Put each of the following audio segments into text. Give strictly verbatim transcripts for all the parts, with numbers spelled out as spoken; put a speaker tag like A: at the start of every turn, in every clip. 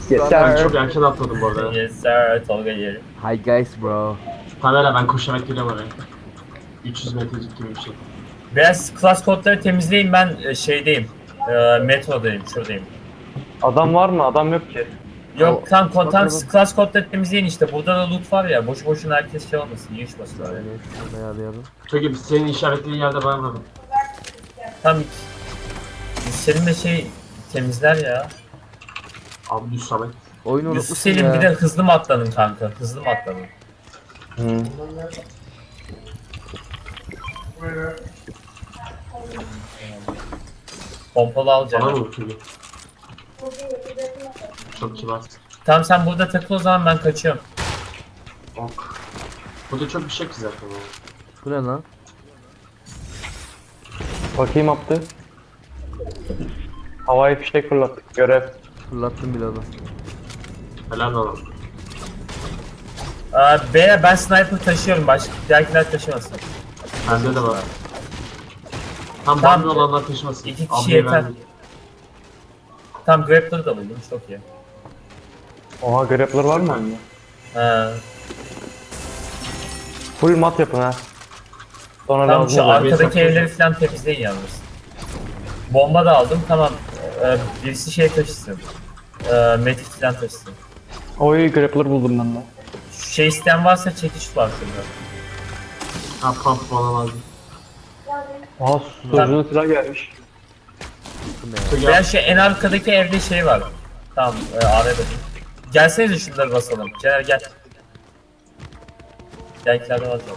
A: Yes
B: Ben
A: sir.
B: çok erken atladım bu arada.
C: Yes sir, Tolga yerim.
A: Hi guys bro.
B: Kamera ben koşarak geliyorum oraya. üç yüz metrecik gibi bir şey.
C: Biraz class kodları temizleyin, ben e, şeydeyim. E, metrodayım, şuradayım.
D: Adam var mı? Adam yok ki.
C: Yok tam kontan
A: bakalım.
C: class kodları temizleyin işte. Burada da loot var ya, boş boşuna herkes şey olmasın, yiyişmesin oraya.
A: Yani şunu ayarlayalım.
B: Çok iyi, senin işaretlediğin yerde ben varım.
C: Tam Selim de şey temizler ya.
B: Abi düz Samet.
A: Oyunu
C: Yusuf
A: unutmuşsun
C: Selim
A: ya.
C: bir de hızlı mı atladın kanka? Hızlı mı atladın?
D: Hı.
C: Pompalı al
B: Bana
C: canım.
B: mı uçuyor? Çok kibar.
C: Tamam sen burada takıl o zaman, ben kaçıyorum.
B: Ok. Burada çok bir şey yok ki zaten. Yani.
A: Bu ne lan?
D: Bakayım yaptı. Havai fişek fırlattık. Görev.
A: Fırlattım bile onu.
B: Helal olsun.
C: Aa, beyler ben sniper taşıyorum, başka diğerkiler taşımasın.
B: Bende de var. Tam
C: Tamam.
B: bende olanlar taşımasın.
C: İki kişi
B: Abiye
C: yeter.
B: verdim.
C: Tam grappler da buldum, çok iyi.
D: Oha grappler var mı?
C: Ha.
D: Full mat yapın ha. Sonra
C: Tam
D: lazım
C: şu
D: olur.
C: arkadaki evleri falan temizleyin yalnız. Bomba da aldım, tamam. Ee, birisi şey taşısın. Ee, medkit falan taşısın.
D: Oy grappler buldum ben de.
C: Şu şey isteyen varsa çekiç var şurada.
B: Ha pump bana lazım.
D: Oha susturucunun silah gelmiş.
A: Bu ne ya?
B: Çok iyi.
C: Veya şu en arkadaki evde şey var. Tamam, e, A V B'de. Gelsenize şunları basalım. Caner gel. Belkilerde var zaten.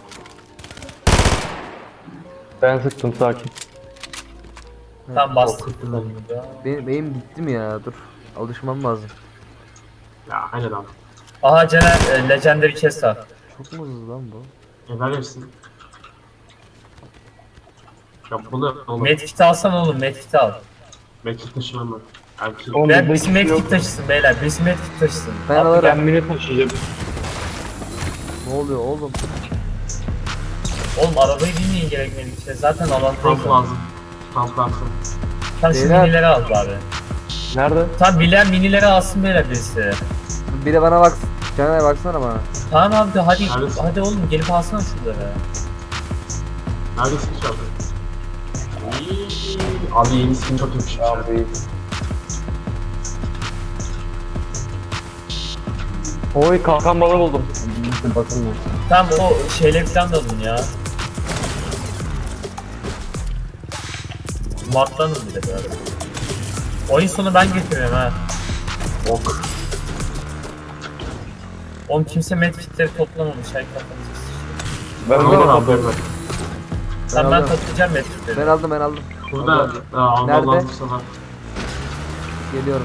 D: Ben sıktım sakin.
C: Tam bastım.
B: Korkuttum ben.
A: Benim, benim gitti mi ya? Dur. Alışmam lazım.
B: Ya aynen abi.
C: Aha Caner, e, Legendary Chest var.
A: Çok mu hızlı lan bu?
B: E ver hepsini. Ya bunu oğlum.
C: Medkit alsan oğlum, medkit al.
B: Mekik taşımam ben. Erkeğim.
D: Oğlum
C: Ben
D: burada
C: birisi
D: hiçbir şey yok.
C: medkit taşısın beyler, birisi medkit taşısın.
A: Ben
D: Abi
A: alırım.
D: ben mini taşıyacağım.
A: Ne oluyor oğlum?
C: Oğlum arabayı binmeyin gerekmedi işte, zaten
B: Pump
C: avantajlı.
B: lazım. Pump lazım.
C: Tam şu
A: Beyler.
C: minileri al bari.
D: Nerede?
C: Tam bilen minileri alsın beyler birisi.
A: Bir de bana bak. Caner baksana bana.
C: Tamam abi de hadi,
B: Neredesin?
C: hadi oğlum gelip alsana şunları.
B: Neredesin şu anda? İyi. Abi yeni skin çok yakışmış.
D: Abi. Oy kalkan balığı buldum. Bakın mı?
C: Tam o şeyleri falan da alın ya. Martlanın bir de böyle. Oyun sonu ben getiriyorum ha.
B: Ok.
C: Oğlum kimse medkitleri toplamamış, hay kafanızı sıçıyor.
D: Ben
B: Ben
D: böyle
B: de
D: kapıyorum.
B: alıyorum.
C: Sen ben
A: aldım.
C: toplayacağım medkitleri.
A: Ben aldım ben aldım.
B: Burada aa, almam
A: Nerede?
B: lazım sana.
A: Geliyorum.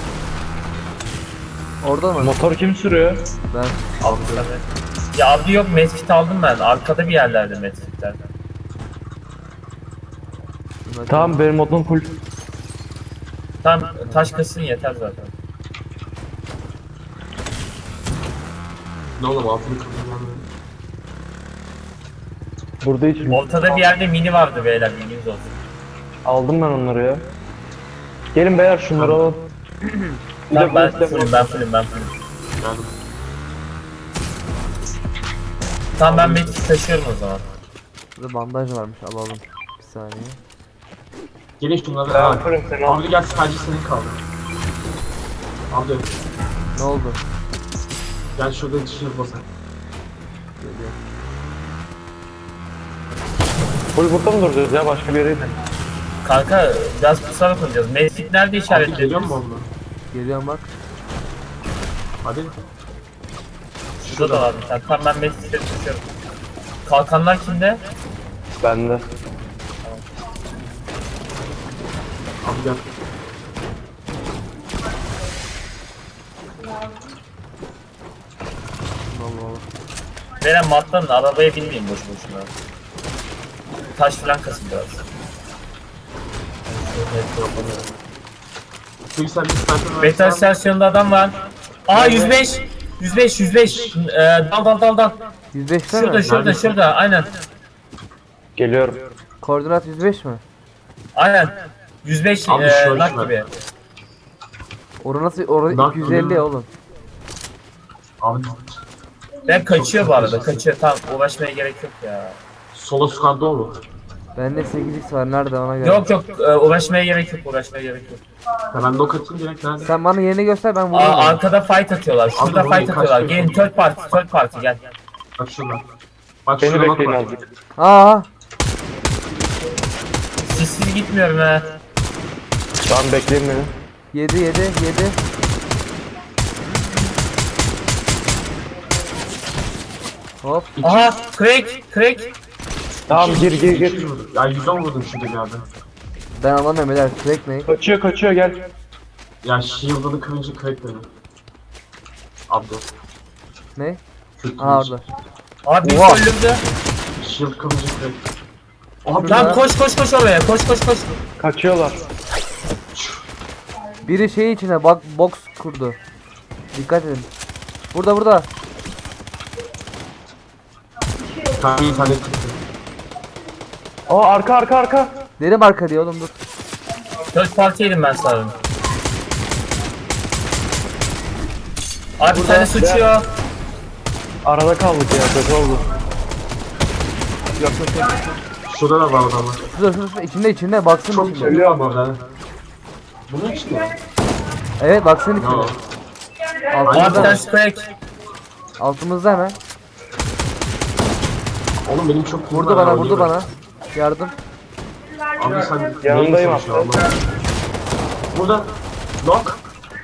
A: Orada mı?
D: Motor kim sürüyor?
A: Ben.
C: Aldım sen de. Ya abi yok, medkit aldım ben. Arkada bir yerlerde medkitler.
D: Tamam benim modum full.
C: Tam taş kasın yeter zaten.
B: Ne oğlum altını kırdım.
D: Burada hiç
C: Ortada bir yerde mini vardı beyler, bilginiz olsun.
D: aldım ben onları ya. Gelin beyler şunları alalım. Bir
C: Tamam
D: de
C: ben
D: bu-
C: fullüm, ben fullüm, ben fullüm.
B: Yani
C: Tamam ben medkit taşıyorum o zaman.
A: Burada bandaj varmış alalım. Bir saniye.
B: gelin şunları.
D: Ben
B: Aa,
D: yaparım seni al.
B: Abi gel sadece senin kaldı. Abi
A: Ne oldu?
B: gel şurada dışarı basak.
A: Geliyor.
D: Full burada mı duracağız ya başka bir yere gidelim.
C: Kanka biraz pusarak oynayacağız. Medkit nerede
B: Abi
C: işaretlediniz?
B: geliyor mu onunla?
A: Geliyorum bak.
B: Hadi.
C: Şurada da var bir tane. Tamam ben medkitleri taşıyorum. Kalkanlar kimde?
D: Bende.
B: Abi gel.
A: Allah Allah.
C: Veren matlanın, arabaya binmeyin boş boşuna. Taş falan kasın biraz.
B: Çünkü sen bir sniper
C: Metal
B: versen-
C: istasyonunda adam var. Aa yüz beş! yüz beş, yüz beş! Ee, dal dal dal dal.
A: yüz beşte
C: Şurada,
A: mi?
C: şurada,
B: Neredesin?
C: şurada. Aynen.
D: Geliyorum.
A: Koordinat yüz beş mi?
C: Aynen. yüz beş
B: Abi
C: ee,
B: şöyle
C: nak
B: şuna.
C: gibi.
A: Orası nasıl? Orası
B: Bak,
A: iki yüz elli ya oğlum.
B: Abi
C: Ben kaçıyor bu arada, kaçıyor. Tamam, uğraşmaya gerek yok ya.
B: solo squad olur.
A: Bende sekiz x var. Nerede ona göre?
C: Yok yok, e, uğraşmaya gerek yok, uğraşmaya gerek yok.
B: Ya ben nok atayım direkt nerede?
A: Sen bana yerini göster ben
C: Aa,
A: vururum. onu.
C: arkada fight atıyorlar, şurada
B: Abi,
C: fight
B: kaç
C: atıyorlar.
B: dakika?
C: Gelin, third party, third party gel.
B: Bak şurada. Bak
D: Beni
B: şurada nok
D: bekleyin
B: var.
D: azıcık.
A: Aa,
C: Sissiz gitmiyorum he.
D: Tamam bekleyin beni.
A: yedi yedi yedi. Hop.
C: Aha, crack, crack.
D: Tamam gir gir
B: iki yüz
D: gir.
B: vurdum. Ya yüz on vurdum şurada bir yerde.
A: Ben anlamıyorum beyler. Crack ne?
D: Kaçıyor kaçıyor gel.
B: Ya shield'ını kırınca crack dedi. Abdo.
A: Ne?
B: Kürt
A: Aa
B: kırınca.
A: orada.
C: Abi bir
A: Oha.
C: öldürdü.
B: Shield kırınca crack. Abi
C: Tamam koş koş koş oraya, koş koş koş.
D: Kaçıyorlar.
A: Biri şey içine bak box kurdu. Dikkat edin. Burada burada.
B: Kanka internet çıktı.
D: Aa arka arka arka.
A: Derim arka diyor oğlum dur.
C: Third party'ydim ben sanırım. Abi bir tane sıçıyor.
D: Arada kaldık ya kötü oldu.
A: Yok yok yok.
B: Şurada da var adamlar.
A: Şurada şurada şurada. içinde içinde baksın
B: Çok
A: içinde.
B: söylüyor ama ben. Bunun için mi?
A: Evet baksın içinde.
B: No.
C: Abi bir
A: Altımızda
C: tane
A: hemen.
C: crack.
A: Altımızda hemen.
B: Oğlum benim çok
A: Vurdu bana vurdu bana. Yardım.
B: Abi sen
D: Yanındayım
B: neyin
D: aslında.
B: savaşı Allah? Burada. Knock.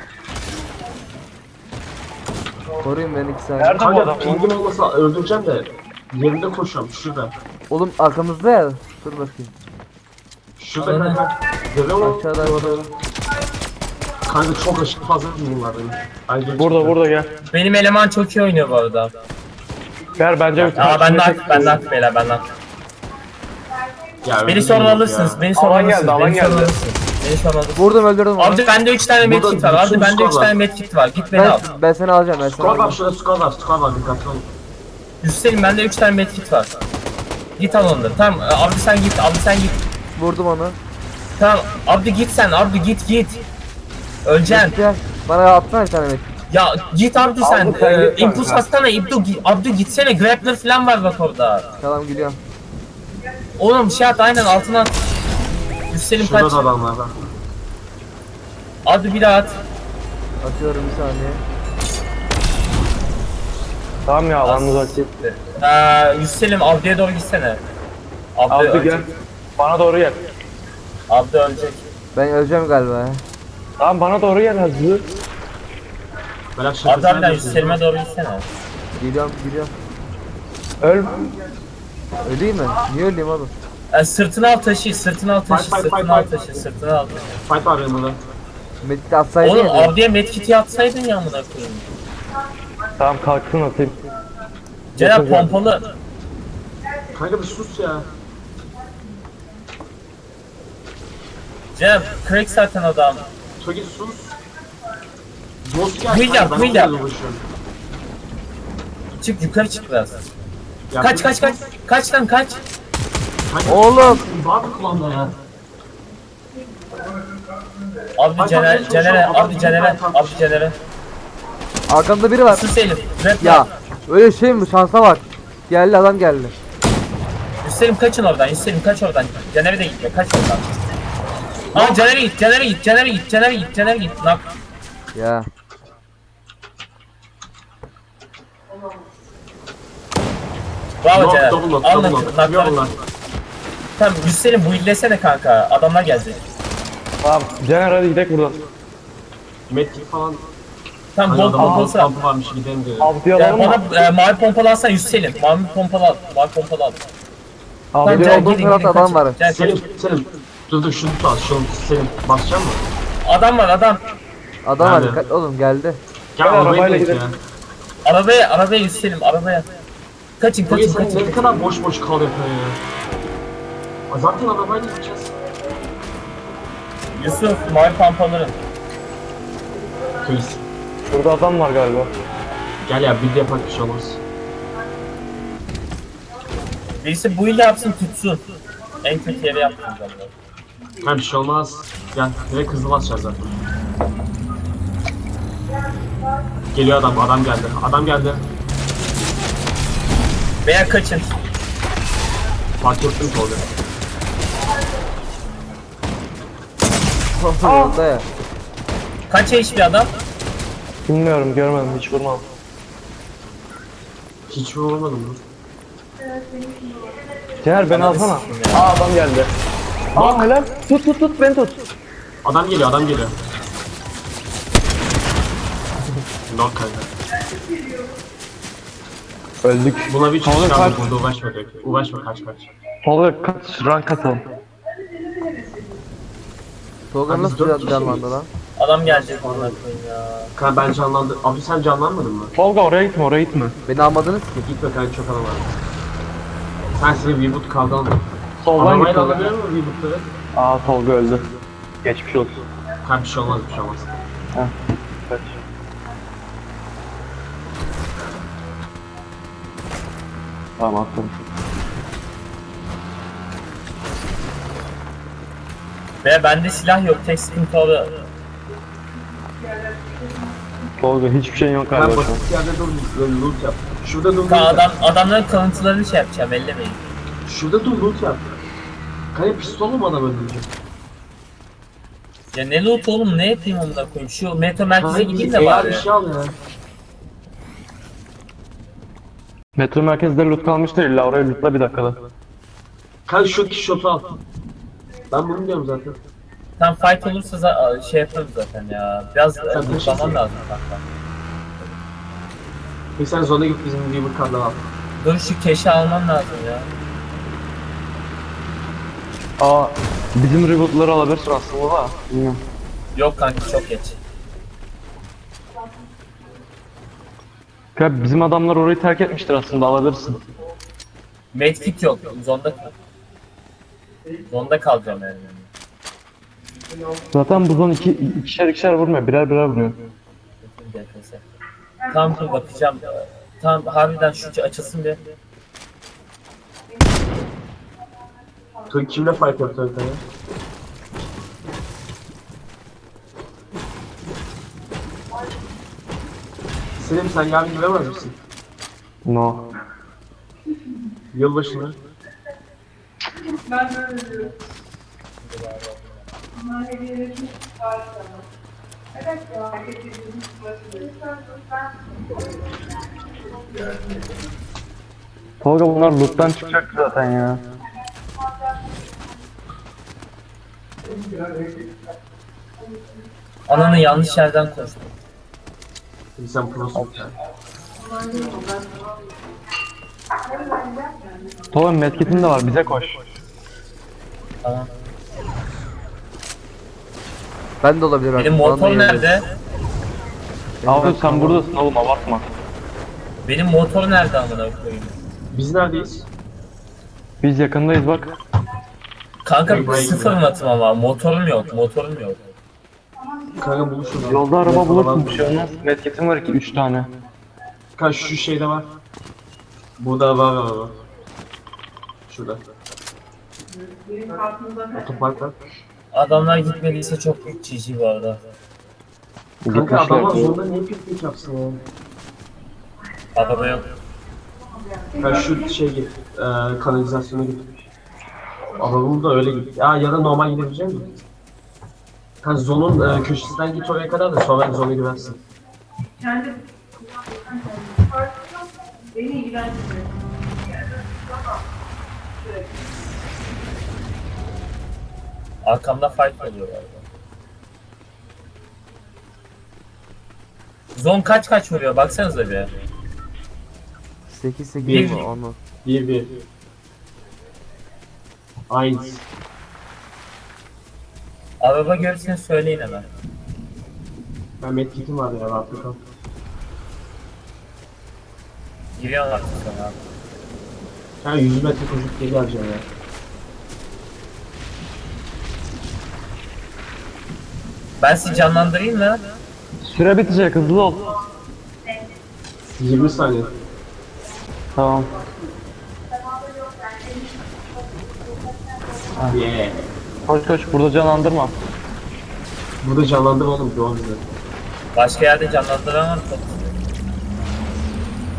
A: Koruyun beni iki saniye.
D: Nerede bu
B: Kanka
D: adam?
B: pingim olmasa öldüreceğim de. Yerinde koşuyorum şurada.
A: Oğlum arkamızda ya. Dur bakayım.
B: Şurada
C: Ananı.
B: kanka. Görüyor musun?
A: Aşağıda aşağıda.
B: Kanka çok aşırı fazla pingim var benim. Ayrıca
D: Burada burada gel.
C: Benim eleman çok iyi oynuyor bu arada.
D: Ver bence bir
C: Aa ben de
D: tane.
C: aktif, ben de aktif beyler, ben de aktif.
B: Ya,
C: Beni
B: öyle
C: sonra
B: değil
C: alırsınız,
B: ya.
C: beni sonra
D: Alan geldi,
C: alırsınız,
D: alan
C: beni sonra
D: geldi.
C: alırsınız. Beni sonra alırsınız.
A: Vurdum öldürdüm onu.
C: Abi bende üç tane
B: Burada
C: medkit var, abi
B: bütün
C: bende üç
B: squad
C: tane
B: var.
C: medkit var, git beni al.
A: Ben, ben seni alacağım ben seni
B: Squad var
A: alacağım.
B: şurada squad var squad var dikkatli olun.
C: Hüseyin bende üç tane medkit var. Git al onları, tamam abi sen git, abi sen git.
A: Vurdum onu.
C: Tamam, Abdi git sen, Abdi git git. Öleceksin.
A: Gel. Bana atsana bir tane met.
C: Ya git Abdi sen,
D: Abdi sen
C: ee,
D: git
C: impuls
D: kanka.
C: atsana, Abdi, Abdi gitsene, grappler falan var bak orada.
A: Tamam gidiyorum.
C: Oğlum şey at, aynen altına at. Hüseyin
B: Şurada
C: kaç,
B: da adamlar var.
C: Abdi bir daha at.
A: Atıyorum bir saniye.
D: Tamam ya alan uzak.
C: Ee, Hüseyin Abdi'ye doğru gitsene. Abdi,
D: Abdi
C: ölecek.
D: gel. Bana doğru gel.
C: Abdi ölecek.
A: Ben öleceğim galiba ya.
D: Tamam bana doğru gel hızlı.
B: Berat
C: Abdi
B: şakasını
C: abiden
B: yapıyorsun.
C: Hüseyin'e doğru gitsene.
A: Geliyorum gidiyorum.
D: Öl.
A: Öleyim mi? Niye öleyim oğlum?
C: Ee, sırtını al taşı, sırtını al taşı,
B: Fight, fight,
C: sırtını al
B: fight,
C: taşı,
B: fight.
C: sırtını al taşı.
B: Fight var benim burada.
A: Medkit atsaydın
C: Oğlum
A: ya.
C: Abdi'ye medkit'i atsaydın ya amına koyayım.
D: Tamam kalksın atayım.
C: Cenab
D: Yapacağım.
C: pompalı.
B: Kanka bir sus ya.
C: Cenab crack zaten adam.
B: Togi sus. Dost gel.
C: Build yap,
B: ben
C: build
B: onunla
C: yap.
B: uğraşıyorum.
C: Çık yukarı çık biraz.
B: Ya
C: Kaç
B: bu-
C: kaç kaç. Kaç lan kaç.
B: Kanka,
A: Oğlum.
B: Var mı kulağında ya?
C: Abdi
B: Ay,
C: Cener,
B: bak,
C: Cener'e,
B: bak,
C: Abdi
B: bak,
C: Cener'e,
B: bak.
C: Abdi Cener'e.
A: Arkamda biri var.
C: Sus Elif. Rap
A: Ya
C: yap.
A: öyle şey mi? Şansa bak. Geldi adam geldi.
C: Hüseyin kaçın oradan, Hüseyin kaç oradan. Cener'e de gitme, kaç oradan. Aa Cener'e git, Cener'e git, Cener'e git, Cener'e git, Cener'e git. Nak.
A: Ya.
C: Bravo
B: Knock,
C: Cener.
B: double knock,
C: Al
B: double
C: nak-
B: knock.
C: nakları.
B: Biliyorum lan.
C: Tamam Hüseyin bu illesene kanka. Adamlar gelecek.
D: Tamam Caner hadi gidelim buradan.
B: Medkit falan.
C: Tamam
B: Hani
C: bol
B: adamın
C: pompalısı al.
B: kampı varmış gidelim diyor.
D: Abdi'yi
C: Ya
D: alalım mı?
C: bana e, mavi pompalı alsana Hüseyin. Mavi pompalı al. Mavi pompalı al. Tamam
D: Abdi
A: Benim
C: Cener
A: olduğum
C: gidin
A: tarafta
C: gidin
A: adam
C: kaçın.
A: var.
C: Cener,
B: Selim, Selim. Dur dur şunu tut al. Şunu Selim. Basacak mı?
C: adam var adam.
A: Adam var
B: Nerede?
A: dikkat oğlum geldi.
B: Gel
D: Gel,
B: arabayla
D: arabayla
B: git ya.
D: gidelim.
C: Arabaya arabaya Hüseyin arabaya. Kaçın
B: Togi
C: kaçın
B: sen
C: kaçın.
B: ne kadar boş boş kal yapıyor ya. Aa, Zaten arabayla gideceğiz.
C: Yusuf mavi pompaları.
B: Kıyız.
D: Burada adam var galiba.
B: Gel ya bir de yapak bir şey olmaz.
C: Birisi bu ile yapsın tutsun. En kötü yere yapsın zaten.
B: Ha bir şey olmaz. Gel direkt hızlı basacağız zaten. Geliyor adam, adam geldi. Adam geldi.
C: Veya kaçın.
B: Fark ettim Tolga.
A: Yolda ya.
C: Kaç H P adam?
D: Bilmiyorum, görmedim, hiç vurmadım.
B: Hiç vuramadım mı?
D: Cener beni
C: Ananı
D: alsana.
C: sikeyim ya.
D: Aa adam geldi. Aa helal. Tut tut tut beni tut.
B: Adam geliyor, adam geliyor. Lord kanka.
D: Öldük.
B: Buna bir
D: Tolga
B: çıkış
D: kaç.
B: aldık burada, uğraşma direkt. Uğraşma, kaç kaç.
D: Tolga kaç rank atalım.
A: Tolga
B: Abi
A: nasıl
B: dört
A: can-
B: kişi
A: canlandı
B: miyiz?
A: lan?
C: Adam gelecek ona koyayım ya.
B: Kanka ben canlandım. Abi sen canlanmadın mı?
D: Tolga oraya gitme, oraya gitme.
A: Beni almadınız ki.
B: Gitme kanka, çok adam var. Sen seni Reboot kaldı aldın.
D: Soldan git
B: Arabayla
D: Tolga.
B: alabiliyor musun Reboot'ları?
D: Aa Tolga öldü. Geçmiş olsun.
B: Kanka bir şey olmaz, bir şey olmaz.
D: Heh. Kaç. Tamam attım.
C: Ve bende silah yok. Tek sıkıntı o.
D: Tolga hiçbir şeyin yok
B: Ben
D: galiba şu an.
B: basit yerde dur, böyle loot yap. Şurada dur, loot
C: Ka
B: yap.
C: adam adamların kalıntılarını şey yapacağım. Ellemeyin.
B: Şurada dur, loot yap. Kanka pistolla mı adam öldürecek?
C: Ya ne loot oğlum, ne yapayım onunla koyayım? Şu metro merkeze
B: Kanka
C: gideyim
B: bir
C: de
B: A R
C: bari.
B: bir şey al ya.
D: Metro merkezde loot kalmıştır, illa oraya lootla bir dakikada.
B: Kanka şu iki shotu al. Ben bunu diyorum zaten.
C: Tam fight olursa za- şey yaparız zaten ya. Biraz
B: Sen
C: e,
B: taşırsın.
C: lootlaman lazım kanka.
B: Peki sen zona git, bizim Reboot kartları al.
C: Dur şu keşi alman lazım ya.
D: Aa bizim rebootları alabilirsin aslında da. Bilmiyorum.
C: Yok kanka çok geç.
D: Ya bizim adamlar orayı terk etmiştir aslında, alabilirsin.
C: Medkit yok. Zonda kal. Zonda kalacağım yani.
D: Zaten bu zon iki, ikişer ikişer vurmuyor, birer birer vuruyor.
C: D P S. Tam dur bakacağım. Tam harbiden şu açılsın bir.
B: Türk kimle fight yaptı kanka ya? Selim sen yarın giremez misin?
D: No.
B: Yılbaşına.
D: Tolga bunlar loot'tan çıkacak zaten ya.
C: Ananı yanlış yerden koştum.
B: Şimdi sen prosun.
D: Tolga medkit'in de var, bize koş.
C: Tamam.
A: Ben de olabilir.
C: Benim
A: artık, bana da
C: motor
A: yemin
C: nerede?
D: Abi sen buradasın oğlum, abartma.
C: Benim motor nerede amına koyayım?
B: Biz neredeyiz?
D: Biz yakındayız bak.
C: Kanka
B: Buraya
C: sıfır matım ama motorum yok, motorum yok.
B: Kanka buluşuruz.
D: Yolda araba
B: Metroda
D: bulursun,
B: var.
D: bir şey olmaz. Medkit'im var ki üç tane.
B: Kanka şu şeyde var. Burada var var var. Şurada. Otopark var.
C: Adamlar gitmediyse çok büyük G G bu arada.
B: Kanka
D: Gitmişler.
B: adamlar zorunda niye piknik yapsın ya?
C: Araba yok.
B: Kanka şu şey git. E, kanalizasyona git. Adamım da öyle git. Ya ya da normal gidebilecek misin? Kanka zonun e, köşesinden git oraya kadar da sonra zona girersin.
E: Kendi beni ilgilendirmiyor.
C: Arkamda fight oluyor galiba. Zon kaç kaç vuruyor baksanıza bir.
A: sekiz sekiz
C: Bir-
A: mi onu?
B: Bir bir. Aynı.
C: Araba görürseniz söyleyin hemen.
B: Ben medkitim var ya rahatlıkla.
C: Giriyorlar artık sonra.
B: Yani yüz metre koşup geri alacağım ya.
C: Ben sizi canlandırayım mı?
D: Süre bitecek, hızlı ol.
B: yirmi saniye.
D: Tamam.
B: Yeah.
D: Koş koş, burada canlandırma.
B: Burada canlandım oğlum doğum günü.
C: Başka yerde canlandıramam çok.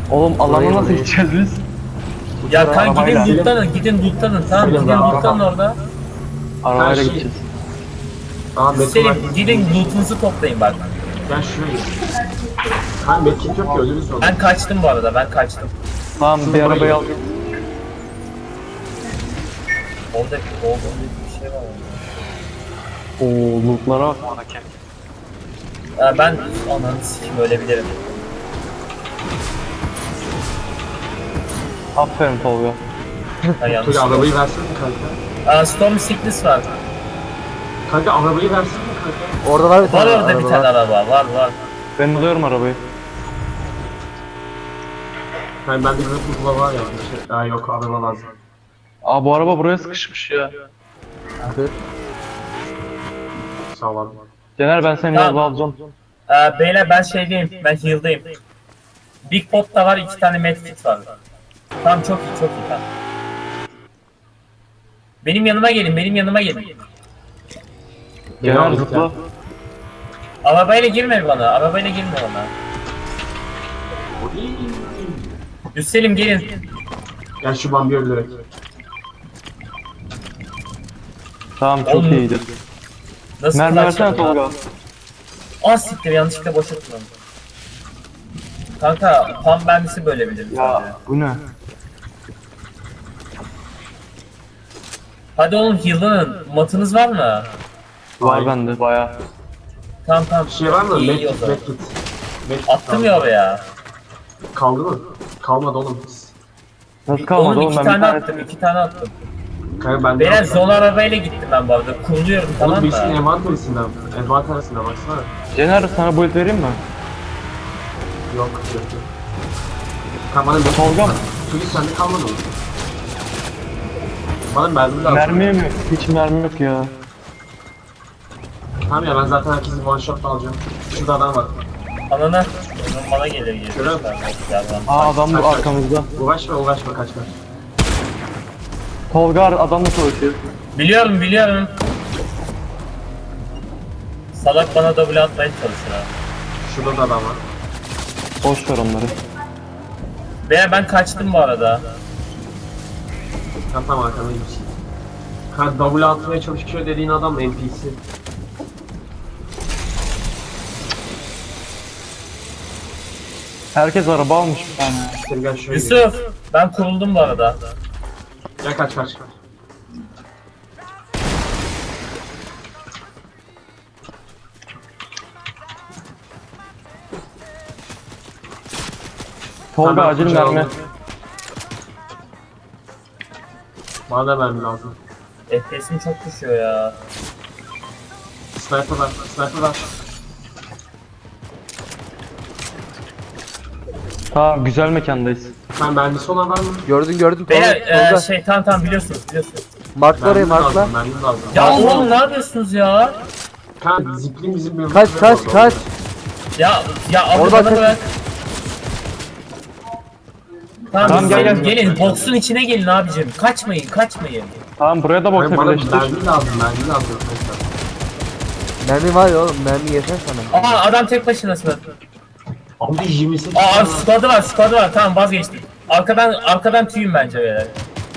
D: Oğlum alana
A: Burayı,
D: nasıl
A: burayı.
D: gideceğiz biz?
C: Ya kan
D: arabayla.
C: gidin lootlanın, gidin lootlanın. Tamam
B: Selim,
C: gidin
B: rahat,
C: lootlanın
B: rahat.
C: orada.
D: Arabayla
B: şey-
D: gideceğiz.
B: Aa Metin
C: Selim
B: var.
C: gidin lootunuzu toplayın bak.
B: Gel şuraya git. Kan Metin yok ki ölürüz sonra.
C: Ben kaçtım bu arada, ben kaçtım.
D: Tamam bir
B: buraya
D: arabayı al.
B: git.
C: Orada olduğum bir şey var orada.
D: Oo lootlara bak buradaki.
C: Ya ben ananı sikim ölebilirim.
D: Aferin Tolga.
C: Ha yanlış.
B: Tuli arabayı versene kanka.
C: Aa, Storm Sickness var.
B: Kanka arabayı versene kanka.
A: Orada var bir
C: Var
A: tane
C: orada bir
A: araba
C: tane
A: var.
C: araba, var var.
D: Ben alıyorum arabayı.
B: Yani bende bir kula var ya. Bir şey. Aa yok araba lazım.
D: Aa bu araba buraya sıkışmış ya.
A: Kır.
B: Sağ ol abi.
D: Cener ben seni
C: Tamam.
D: yolda alacağım.
C: Ee, beyler ben şeydeyim, ben heal'dayım. Big Pot'ta var, iki tane medkit var. Tamam çok iyi, çok iyi tamam. Benim yanıma gelin, benim yanıma gelin.
D: Cener
B: aldık
D: zıpla.
B: ya.
C: Arabayla girme bana, arabayla girme bana. Üstelim gelin.
B: Gel şu Bambi'yi öldürerek.
D: Tamam çok
C: Oğlum,
D: iyiydi.
C: Nasıl
D: Mermi
C: clutch
D: versene
C: yapıyor lan?
D: Tolga.
C: Ah siktir, yanlışlıkla boşa kullandım. Kanka, pam bendisi böyle bilir.
D: Ya bu ne?
C: Hadi oğlum heal'lanın, matınız var mı?
D: Var
B: Hayır.
D: bende baya.
C: Tamam tamam.
B: Bir şey var mı?
C: İyi, iyi o
B: Medkit,
C: zaman.
B: medkit. Medkit
C: Attım
B: kaldı.
C: ya oraya.
B: Kaldı mı? Kalmadı oğlum.
D: Nasıl kalmadı
C: Oğlum
D: oğlum
C: iki
D: ben bir
C: tane
D: tane
C: attım, iki tane attım.
B: Kanka ben
C: Beyler zon arabayla gittim ben bu arada. Kuruluyorum
B: Oğlum
C: tamam
B: birisinin
C: mı?
B: envanterisinden. Envanterisinden baksana.
D: Cener sana build vereyim mi?
B: Yok yok yok. Kanka bana medkit.
D: Tolga mı?
B: Tuli sende kalmadı mı? Bana mermi lazım.
D: Mermi mi? Hiç mermi yok ya.
B: Tamam ya ben zaten herkesin one shot'la alacağım. Şurada adam var.
C: Anana. Onun bana gelir gelir.
B: Görüyor musun?
D: Aa adam bu arkamızda.
B: Uğraşma uğraşma kaç kaç.
D: Tolga adamla savaşıyor.
C: Biliyorum biliyorum. Salak bana double atmaya çalışır ha.
B: Şurada da adam var.
D: Boş ver onları.
C: Beyler ben kaçtım bu arada.
B: Tam tam arkamdaymış. Kanka double atmaya çalışıyor dediğin adam N P C.
D: Herkes araba almış bir tane.
B: Sen gel şuraya gel.
C: Yusuf ben kuruldum bu arada.
B: Gel kaç kaç.
D: Tolga
B: Tamam,
D: acil
B: kucağı
D: mermi.
B: aldım. Bana da mermi lazım.
C: F P S'im çok düşüyor ya.
B: Sniper var, sniper var.
D: Tamam güzel mekandayız.
B: Sen mermisi olan var mı?
A: Gördün gördün.
C: Beyler
A: Tolga,
C: e,
A: Tolga.
C: şey tamam tamam biliyorsunuz biliyorsunuz.
A: Markla orayı
B: Mermi
A: markla.
B: lazım, mermi lazım.
C: Ya oğlum ne yapıyorsunuz ya?
B: Kanka ziplin bizim bir
A: Kaç kaç kaç.
C: Ya ya abi
A: Orada
C: bana
A: kaç-
C: bırak. Tamam,
D: Tamam, gel,
C: gelin,
D: gel.
C: gelin boksun içine gelin abicim. Kaçmayın kaçmayın.
D: Tamam buraya da
B: Kanka
D: boxa
B: bana
D: birleştir.
B: mermi lazım, mermi lazım. Kanka.
A: Mermi var ya oğlum, mermi yeter sana.
C: Aa adam tek başınasın.
B: Abi yirmi sekiz
C: Aa
B: tane var.
C: squad'ı var squad'ı var tamam vazgeçtim. Arkadan arkadan tüyüm bence beyler.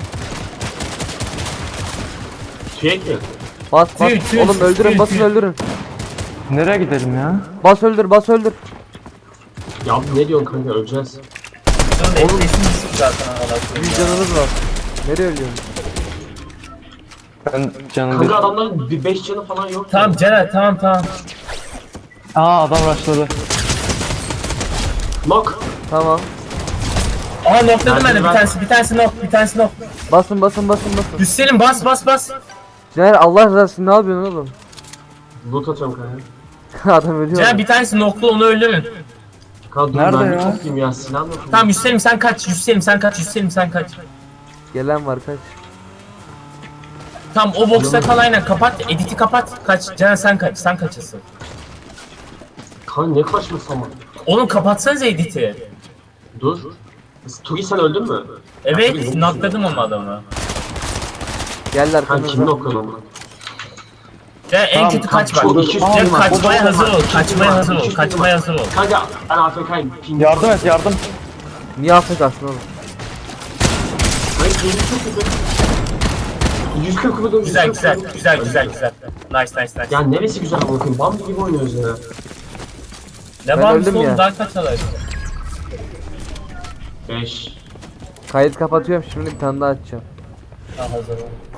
B: Tüyek mi?
A: Bas bas.
C: Tüy, tüy,
A: Oğlum öldürün,
C: tüy,
A: basın
C: tüy.
A: öldürün.
D: Nereye gidelim ya?
A: Bas öldür, bas öldür.
B: Ya abi ne diyorsun kanka öleceğiz.
C: Oğlum F P S'im düşük zaten Allah'ım.
A: Bir canınız var. Nereye ölüyorsun?
D: Ben canım
B: Kanka
D: değil.
B: adamların bir beş canı falan yok.
C: Tamam Celal tamam tamam.
D: Aa adam rushladı.
B: Knock.
A: Tamam.
C: Aha nokladım ben de bir
B: Ben-
C: tanesi bir tanesi nok bir tanesi nok.
A: Basın basın basın basın.
C: Üstelim bas bas bas.
A: Caner Allah rızası için ne yapıyorsun oğlum?
B: Loot atıyorum kanka.
A: Adam ölüyor.
C: Celal bir tanesi noklu onu öldürün.
B: Kanka dur
D: Nerede
B: mermi
D: ya?
B: toplayayım ya silah mı?
C: Tamam Üstelim sen kaç Üstelim sen kaç Üstelim sen kaç.
A: Gelen var kaç.
C: Tamam o boxta kal aynen kapat editi kapat kaç Celal sen kaç sen kaçasın.
B: Kanka ne kaçması ama.
C: Oğlum kapatsanıza editi.
B: Dur. Turi sen öldün mü?
C: Evet nokladım onu adamı.
A: Geldiler
B: Kanka kimi
A: kanımıza.
B: okuyorsun onu?
C: Ya en
D: Tamam,
C: kötü
B: tamam,
C: kaç bak.
B: çok iki
C: Ya
B: film var.
C: kaçmaya hazır ol,
B: İki film
C: kaçmaya
B: var,
C: hazır ol,
B: iki film
C: kaçmaya
B: var.
C: hazır ol.
B: Kanka ben A F K'yim. Ping.
D: Yardım et yardım.
A: Niye Afrika'sın oğlum?
B: Hayır benim çok güzel. yüz kırk vurdum.
C: Güzel
B: yüz kırk
C: güzel
B: vurdum.
C: güzel güzel güzel. Nice nice nice.
B: Ya neresi güzel bakın. Bambi gibi oynuyoruz ya.
C: Ne
A: ben
C: bağımsız
A: öldüm
C: oğlum
A: ya.
C: daha kaç alır?
B: beş.
A: Kayıt kapatıyorum şimdi bir tane daha açacağım.
C: Ha hazır ol.